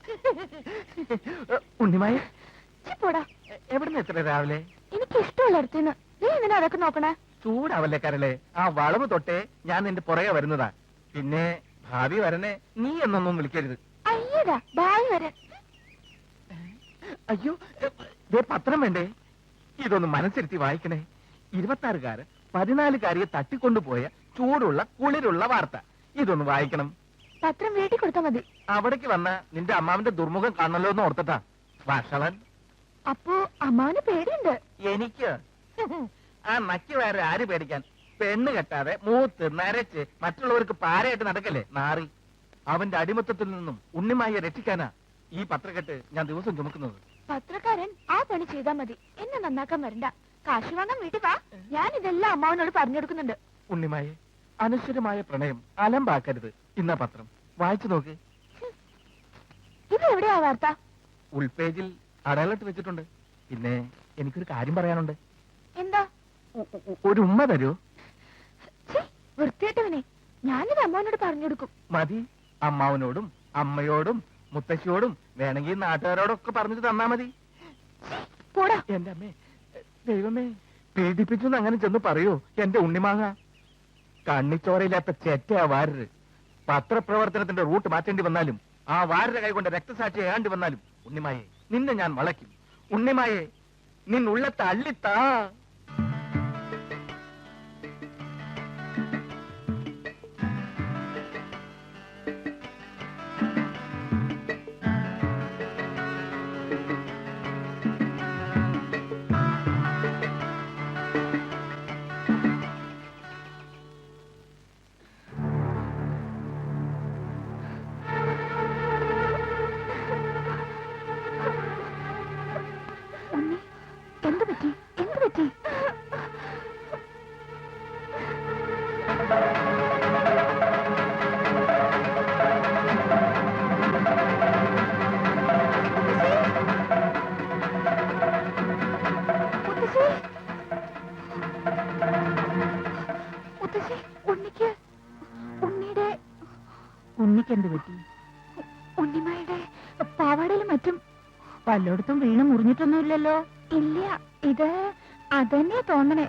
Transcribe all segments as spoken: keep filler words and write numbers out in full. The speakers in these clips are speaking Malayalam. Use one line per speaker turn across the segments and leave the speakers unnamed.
ഉണ്ണിമായ
പോടാ.
എവിടുന്ന് എത്ര രാവിലെ?
എനിക്ക് ഇഷ്ടമുള്ള അടുത്തുനിന്ന്. നീ എന്തിനാ അതൊക്കെ നോക്കണേ?
ചൂടാവല്ലേ കരളെ, ആ വളവ് തൊട്ടേ ഞാൻ നിന്റെ പുറകെ വരുന്നതാ. പിന്നെ ഭാവി വരണേ നീ എന്നൊന്നും വിളിക്കരുത്.
അയ്യടാ ഭാവി വരെ.
അയ്യോ, ദേ പത്രം വേണ്ടേ? ഇതൊന്ന് മനസ്സിരുത്തി വായിക്കണേ. ഇരുപത്താറുകാര് പതിനാലുകാരിയെ തട്ടിക്കൊണ്ടുപോയ ചൂടുള്ള കുളിരുള്ള വാർത്ത. ഇതൊന്ന് വായിക്കണം.
പത്രം വീട്ടിൽ കൊടുത്താ മതി.
അവിടേക്ക് വന്ന നിന്റെ അമ്മാവിന്റെ ദുർമുഖം കാണണല്ലോ എന്ന് ഓർത്തിട്ടാ. വഷളൻ.
അപ്പോ അമ്മാവന് പേടിയുണ്ട്.
എനിക്ക് ആ നക്കി വേറെ ആര് പേടിക്കാൻ? പെണ്ണ് കെട്ടാതെ മൂത്ത് നരച്ച് മറ്റുള്ളവർക്ക് പാരയായിട്ട് നടക്കല്ലേ നാറി. അവന്റെ അടിമത്തത്തിൽ നിന്നും ഉണ്ണിമായെ രക്ഷിക്കാനാ ഈ പത്രക്കെട്ട് ഞാൻ ദിവസം ചുമക്കുന്നത്.
പത്രക്കാരൻ ആ പണി ചെയ്താ മതി. എന്നെ നന്നാക്കാൻ വരണ്ട. കാശ് വാങ്ങാൻ വീട്ടിൽ വാ. ഞാൻ ഇതെല്ലാം അമ്മാവനോട് പറഞ്ഞു കൊടുക്കുന്നുണ്ട്.
ഉണ്ണിമായെ, അനശ്വരമായ പ്രണയം അലമ്പാക്കരുത്. ഇന്ന പത്രം വായിച്ചു നോക്ക്.
ഇത് എവിടെയാ വാർത്ത?
ഉൾപേജിൽ അടയാളിട്ട് വെച്ചിട്ടുണ്ട്. പിന്നെ എനിക്കൊരു കാര്യം പറയാനുണ്ട്.
എന്താ?
ഒരു ഉമ്മ തരൂ.
വൃത്തിയായിട്ടവനെ, ഞാനിത് അമ്മാവനോട് പറഞ്ഞു കൊടുക്കും.
മതി. അമ്മാവനോടും അമ്മയോടും മുത്തശ്ശിയോടും വേണമെങ്കിൽ നാട്ടുകാരോടൊക്കെ പറഞ്ഞിട്ട് തന്നാ മതി.
പോടാ.
എന്റെ അമ്മേ, ദൈവമേ, പീഡിപ്പിച്ചു അങ്ങനെ ചെന്ന് പറയൂ എന്റെ ഉണ്ണിമാങ്ങ. കണ്ണിച്ചോരയില്ലാത്ത ചെറ്റയാ വാരര്. പത്രപ്രവർത്തനത്തിന്റെ റൂട്ട് മാറ്റേണ്ടി വന്നാലും ആ വാരര കൈകൊണ്ട് രക്തസാക്ഷി ഏണ്ടി വന്നാലും ഉണ്ണിമായെ നിന്നെ ഞാൻ വളയ്ക്കും. ഉണ്ണിമായെ നിന്നുള്ളത്തെ അള്ളിത്താ.
എന്ത് പറ്റി? എന്ത് പറ്റി? ഉണ്ണിക്ക് ഉണ്ണിയുടെ
ഉണ്ണിക്ക് എന്ത് പറ്റി?
ഉണ്ണിമായുടെ പാവാടയിലും മറ്റും
പലയിടത്തും വീണ് മുറിഞ്ഞിട്ടൊന്നുമില്ലല്ലോ.
ഇല്ല, ഇത് അതന്നെ തോന്നണേ.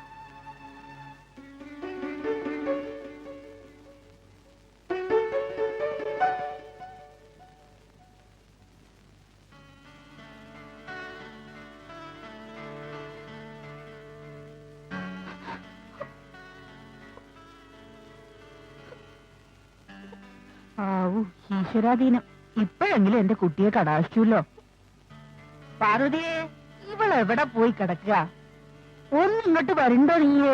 ആവൂ, ഈശ്വരാധീനം. ഇപ്പോഴെങ്കിലും എന്റെ കുട്ടിയെ കടാശിച്ചല്ലോ. പാർവതിയെ, ഇവളെവിടെ പോയി കിടക്കുക? ഒന്നിങ്ങോട്ട് വരണ്ടോ നീയേ?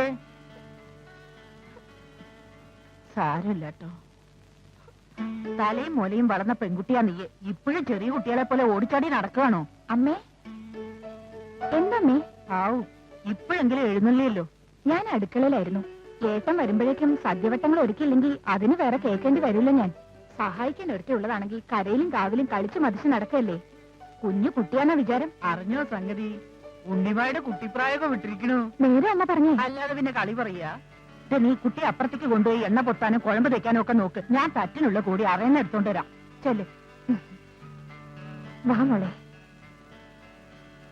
സാരമില്ലാട്ടോ. തലയും മുലയും വളർന്ന പെൺകുട്ടിയാ നീയെ. ഇപ്പോഴും ചെറിയ കുട്ടികളെ പോലെ ഓടിച്ചാടി നടക്കുകയാണോ?
അമ്മേ, എന്തമ്മേ?
ആവൂ, ഇപ്പോഴെങ്കിലും എഴുന്നള്ളിയല്ലോ.
ഞാൻ അടുക്കളയിലായിരുന്നു. ഏട്ടൻ വരുമ്പോഴേക്കും സദ്യവട്ടങ്ങൾ ഒരുക്കിയില്ലെങ്കിൽ അതിന് വേറെ കേൾക്കേണ്ടി വരില്ല. ഞാൻ സഹായിക്കാൻ ഒരുക്കിയുള്ളതാണെങ്കിൽ കരയിലും കാവിലും കളിച്ചു മതിച്ച് നടക്കല്ലേ. കുഞ്ഞു കുട്ടിയാണോ വിചാരം?
അറിഞ്ഞോ സംഗതി? ഉണ്ണിമായുടെ കുട്ടിപ്രായൊക്കെ വിട്ടിരിക്കണു.
നേരെ അമ്മ പറഞ്ഞേ.
അല്ലാതെ പിന്നെ കളി പറയാ? നീ കുട്ടി അപ്പുറത്തേക്ക് കൊണ്ടുപോയി എണ്ണ പൊത്താനും കുഴമ്പ് തയ്ക്കാനും ഒക്കെ നോക്ക്. ഞാൻ തറ്റിനുള്ള കൂടി അറിയുന്ന എടുത്തോണ്ട് വരാം. ചെല്ല്.
വാ മോളെ.